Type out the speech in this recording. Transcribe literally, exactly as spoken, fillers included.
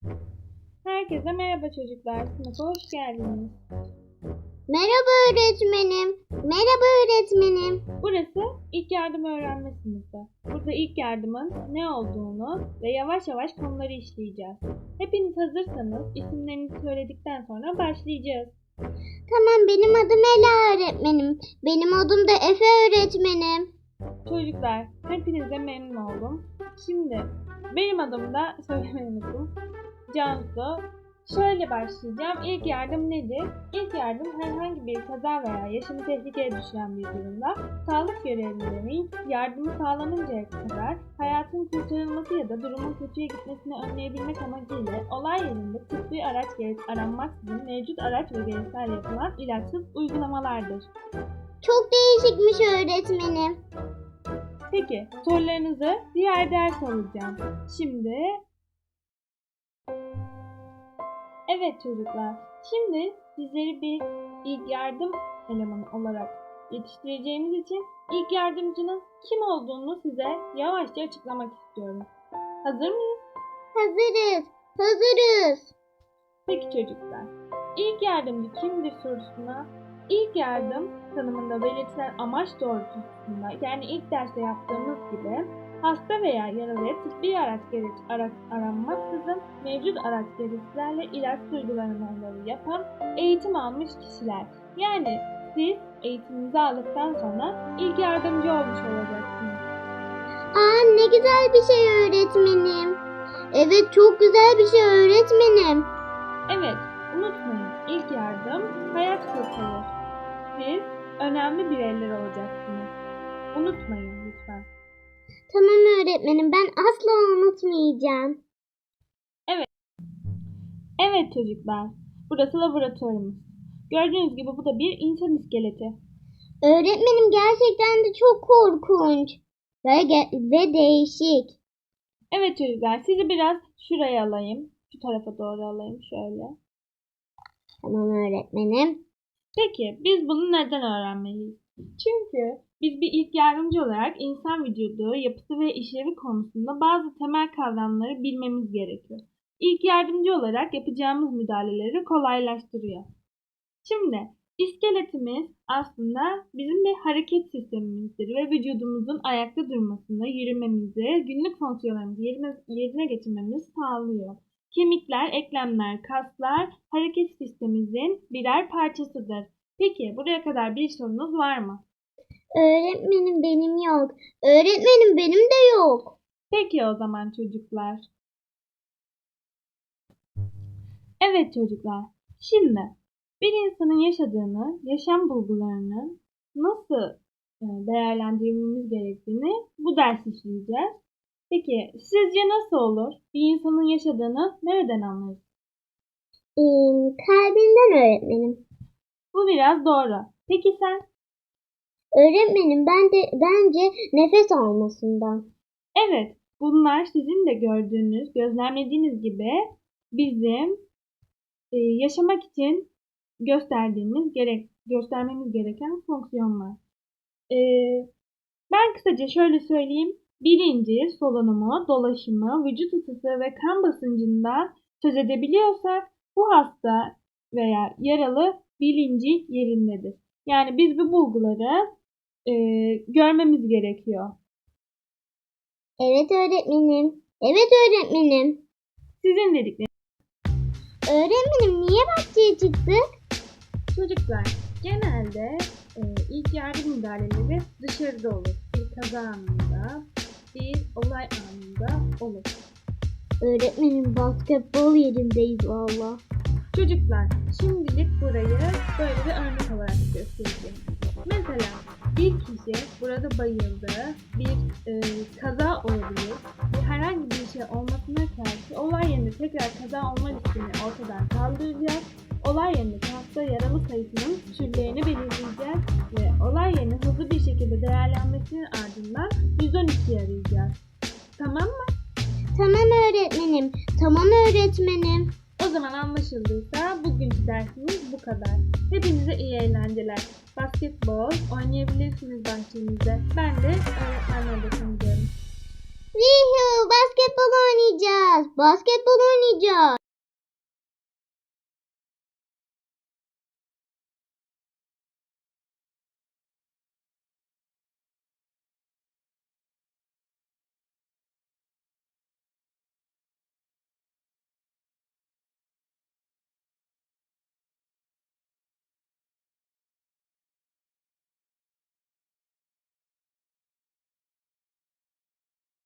Herkese merhaba çocuklar. Sınıfa hoş geldiniz. Merhaba öğretmenim. Merhaba öğretmenim. Burası ilk yardım öğrenme sınıfı. Burada ilk yardımın ne olduğunu ve yavaş yavaş konuları işleyeceğiz. Hepiniz hazırsanız isimlerinizi söyledikten sonra başlayacağız. Tamam, benim adım Ela öğretmenim. Benim adım da Efe öğretmenim. Çocuklar, hepinize memnun oldum. Şimdi benim adım da söylemeyi unuttum. Cansu. Şöyle başlayacağım. İlk yardım nedir? İlk yardım herhangi bir kaza veya yaşamı tehlikeye düşüren bir durumda sağlık görevlilerinin yardımı sağlanıncaya kadar hayatın kurtarılması ya da durumun kötüye gitmesini önleyebilmek amacıyla olay yerinde tıbbi araç gerek aranmaksızın mevcut araç ve gereçlerle yapılan ilaçsız uygulamalardır. Çok değişikmiş öğretmenim. Peki sorularınızı diğer ders alacağım. Şimdi Evet çocuklar, şimdi sizleri bir ilk yardım elemanı olarak yetiştireceğimiz için ilk yardımcının kim olduğunu size yavaşça açıklamak istiyorum. Hazır mıyız? Hazırız. Hazırız. Peki çocuklar, ilk yardımcı kimdir sorusuna ilk yardım tanımında belirtilen amaç doğrultusunda, yani ilk derste yaptığımız gibi hasta veya yaralıya tıbbi araç gereç araç aranmaksızın mevcut araç gereçlerle ilaç uygulamaları yapan eğitim almış kişiler. Yani siz eğitiminizi aldıktan sonra ilk yardımcı olmuş olacaksınız. Aa, ne güzel bir şey öğretmenim. Evet, çok güzel bir şey öğretmenim. Evet, unutmayın, ilk yardım hayat kurtarır. Siz önemli bireyler olacaksınız. Unutmayın lütfen. Tamam öğretmenim, ben asla unutmayacağım. Evet çocuklar, burası laboratuvarımız. Gördüğünüz gibi bu da bir insan iskeleti. Öğretmenim, gerçekten de çok korkunç ve, ge- ve değişik. Evet çocuklar, sizi biraz şuraya alayım. Şu tarafa doğru alayım şöyle. Tamam öğretmenim. Peki biz bunu neden öğrenmeliyiz? Çünkü biz bir ilk yardımcı olarak insan vücudu, yapısı ve işlevi konusunda bazı temel kavramları bilmemiz gerekiyor. İlk yardımcı olarak yapacağımız müdahaleleri kolaylaştırıyor. Şimdi iskeletimiz aslında bizim bir hareket sistemimizdir ve vücudumuzun ayakta durmasını, yürümemizi, günlük fonksiyonlarımızı yerine, yerine getirmemizi sağlıyor. Kemikler, eklemler, kaslar hareket sistemimizin birer parçasıdır. Peki buraya kadar bir sorunuz var mı? Öğretmenim, benim yok. Öğretmenim, benim de yok. Peki o zaman çocuklar. Evet çocuklar. Şimdi bir insanın yaşadığını, yaşam bulgularını nasıl değerlendirmemiz gerektiğini bu ders işleyeceğiz. Peki sizce nasıl olur? Bir insanın yaşadığını nereden anlarız? Ee, kalbinden öğretmenim. Bu biraz doğru. Peki sen? Öğretmenim, ben de bence nefes almasından. Evet, bunlar sizin de gördüğünüz, gözlemlediğiniz gibi bizim e, yaşamak için gösterdiğimiz gerek göstermemiz gereken fonksiyonlar. E, ben kısaca şöyle söyleyeyim. Bilinci, solunumu, dolaşımı, vücut ısısı ve kan basıncından söz edebiliyorsak bu hasta veya yaralı bilinci yerindedir. Yani biz bu bulguları e, görmemiz gerekiyor. Evet öğretmenim. Evet öğretmenim. Sizin dedikleriniz. Öğretmenim, niye bahçeye çıktık? Çocuklar genelde e, ilk yardım müdahaleleri dışarıda olur. Bir kaza anında, bir olay anında olur. Öğretmenim, basketbol yerindeyiz valla. Çocuklar şimdilik burayı böyle bir örnek olarak göstereceğim. Mesela bir kişi burada bayıldı, bir e, kaza olabilir, bir herhangi bir şey olmasına karşı olay yerinde tekrar kaza olma riskini ortadan kaldıracak, olay yerindeki hasta yaralı sayısının türlerini belirleyeceğiz ve olay yerinin hızlı bir şekilde değerlenmesinin ardından yüz on ikiyi arayacağız. Tamam mı? Tamam öğretmenim. Tamam öğretmenim. O zaman anlaşıldıysa bugünkü dersimiz bu kadar. Hepinize iyi eğlenceler. Basketbol oynayabilirsiniz bahçemizde. Ben de öğretmenle de tanıyorum. Yuhu, basketbol Basketbol oynayacağız. Basketbol oynayacağız.